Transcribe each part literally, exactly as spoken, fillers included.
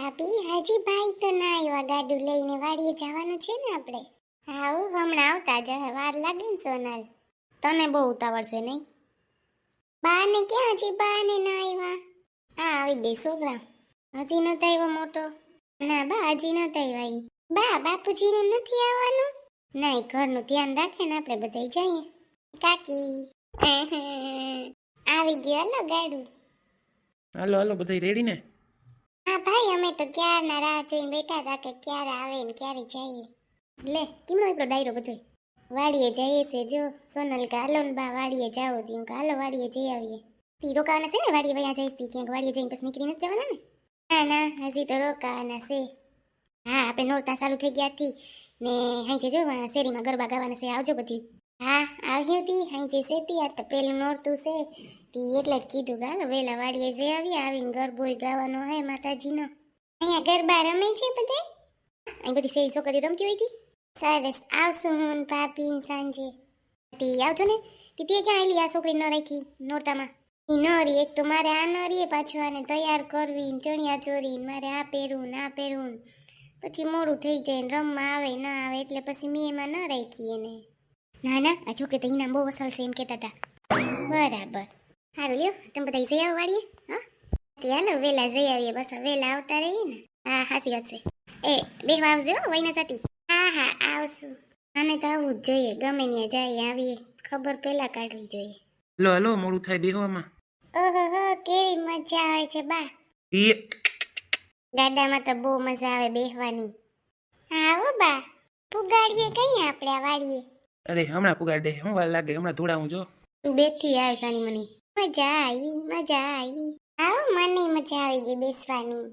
ભાભી હાજી ભાઈ તો ના આવ્યા ગાડું લઈને વાડીએ જવાનું છે ને આપણે. હા હો, હમણાં આવતા જ હે, વાર લાગે ને સોનલ. તને બહુ ઉતાવળ છે નહીં? બા ને ક્યાં હજી બા ને ના આવ્યા? આ આવી ગઈ છોકરા. હજી નતા આવ્યો મોટો? ના બા હજી નતા આવ્યા ઈ. બા બાપુજીને નથી આવવાનું? નહીં, ઘરનું ધ્યાન રાખે ને આપણે બધા જઈએ. કાકી આવી ગયો હાલો ગાડું. હાલો હાલો બધા રેડી ને? હા ભાઈ, અમે તો ક્યારના રાહ જોઈને બેઠા હતા કે ક્યારે આવે ને ક્યારે જઈએ. લે કેમનો એટલો ડાયરો બધો? વાડીએ જઈએ છે જો. સોનલ કે હાલો ને બા વાડીએ જાઓ તી. કે હાલો વાડીએ જઈ આવીએ. તી રોકાવાના છે ને વાડીએ? વયા જઈશ તી ક્યાંક વાડીએ જઈને પછી નીકળી નથી જવાના ને? ના ના, હજી તો રોકાવાના છે. હા, આપણે નોરતા ચાલુ થઈ ગયા હતી ને હાઈ જો શેરીમાં ગરબા ગાવાના છે, આવજો બધી. હા આવ્યું તી હાઈ સેતી આ તો પેલું નોરતું છે તી એટલે જ કીધું કે હાલો વેલા વાડીએ જઈ આવીએ. આવીને ગરબોય ગાવાનો હે માતાજીનો. અહીંયા ગરબા રમે છે બધા? અહીં બધી શેરી છોકરી રમતી હોય હતી. સરસ, આવશું હું ને ભાભી ને સાંજે. તી આવજો ને. તી તે ક્યાં આવેલી આ છોકરી ન રાખી નોરતામાં? ઈ નરી એક તો મારે આ નરીએ પાછું આને તૈયાર કરવી ને ચણિયા ચોરી ને મારે આ પહેરવું ને આ પહેરવું ને પછી મોડું થઈ જાય ને રમવા આવે ના આવે એટલે પછી મેં એમાં ન રાખી એને. ના ના, આ છોકરી તો ઇનામ બહુ અસલ છે એમ કહેતા હતા. બરાબર, સારું લ્યો, તમે બધા જઈ આવો વાડીએ. હા તે હાલો વેલા જઈ આવીએ. બસ વેલા આવતા રહીએ ને. હા હાસી વાત છે. એ બેહવા આવજો વહીને સાથી. હા હા આવશું. આને તો આવવું જ જોઈએ, ગમે ત્યાં જાય આવીએ ખબર પેલા કાઢવી જોઈએ. હાલો હાલો મોડું થાય બેહવામાં. ઓહો હો, કેવી મજા આવે છે બા. ઈ ગાડામાં તો બહુ મજા આવે બેહવાની. હા હો બા, પુગાડીએ કઈ આપણે આ વાડીએ? અરે હમણાં પુગાડ દે, હું વાર લાગે, હમણાં ધોડાવું જો. તું બેઠી આવે સાની મની. મજા આવી મજા આવી. આવો મને મજા આવી ગઈ બેસવાની.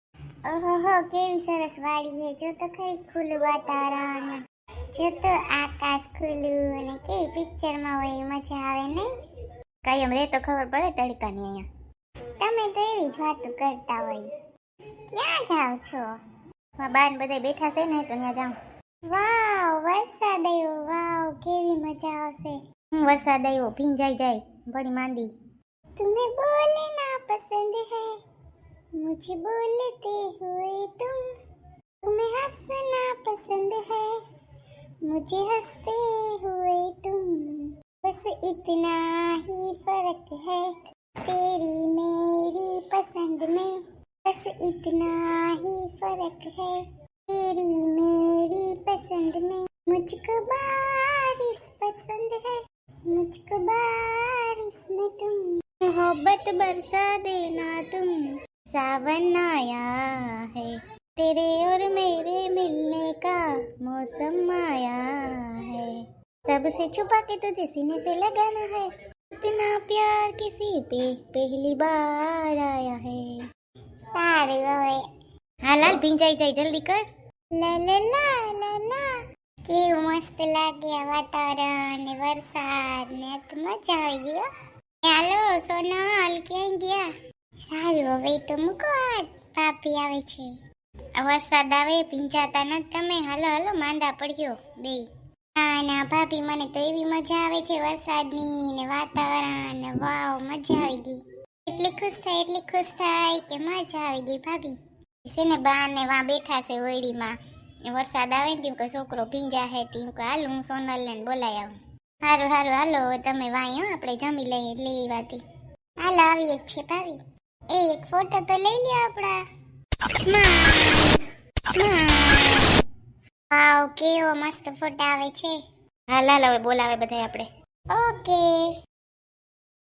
ઓહો હો, કેવી સરસ વાડી છે. જો તો ખરી ખુલ્લું વાતાવરણ, જો તો આકાશ ખુલ્લું અને કેવી પિક્ચરમાં હોય એ મજા આવે ને. કાયમ રે તો ખબર પડે તડકાની અહીંયા. તમે તો એવી જ વાતો કરતા હોય. ક્યાં જાવ છો? બાર બધા બેઠા છે ને તો ત્યાં જાઉં. વાવ, વરસાદ આવ્યો. વાવ, કેવી મજા આવશે. હું વરસાદ આવ્યો ભીંજાઈ જાય બડી માંદી. तुम्हें बोलना पसंद है, मुझे बोलते हुए तुम, तुम्हें हंसना पसंद है, मुझे हंसते हुए तुम, बस इतना ही फर्क है तेरी मेरी पसंद में, बस इतना ही फर्क है तेरी मेरी पसंद में, मुझको बारिश पसंद है, मुझको बारिश में तुम, मोहब्बत बरसा देना तुम, सावन आया है, तेरे और मेरे मिलने का मौसम आया है, सबसे छुपा के तुझे सीने से लगाना है, इतना प्यार किसी पे पहली बार आया है. सारे હવે હાલ ભીંજાઈ જાય જલ્દી કર. લા લા લા લા લા, કેવું મસ્ત લાગે આ વાતાવરણ ને વરસાદ ને. તો મજા આવી ગઈ. હાલો સોનલ, ક્યાં ગયા? સારું હવે તો મૂકો, આ ભાભી આવે છે. આ વરસાદ આવે ભીંજાતા નથી તમે. હાલો હાલો માંડા પડ્યો બે. ના ના ભાભી, મને તો એવી મજા આવે છે વરસાદની ને વાતાવરણ ને. વાવ, મજા આવી ગઈ. એટલી ખુશ થાય એટલી ખુશ થાય કે મજા આવી ગઈ ભાભી. છે ને બા ને વા બેઠા છે ઓયડીમાં. વરસાદ આવે ને કે છોકરો ભીંજા હે તીમ કે હાલ હું સોનલ ને બોલાઈ આવું. હારું હારું હાલો તમે વાય, આપણે જમી લઈએ લઈ વાતી. હાલ આવીએ જ છે ભાભી. એ એક ફોટો તો લઈ લે આપડા. વાવ, કેવો મસ્ત ફોટો આવે છે. હાલ હાલ હવે બોલાવે બધા આપણે. ઓકે.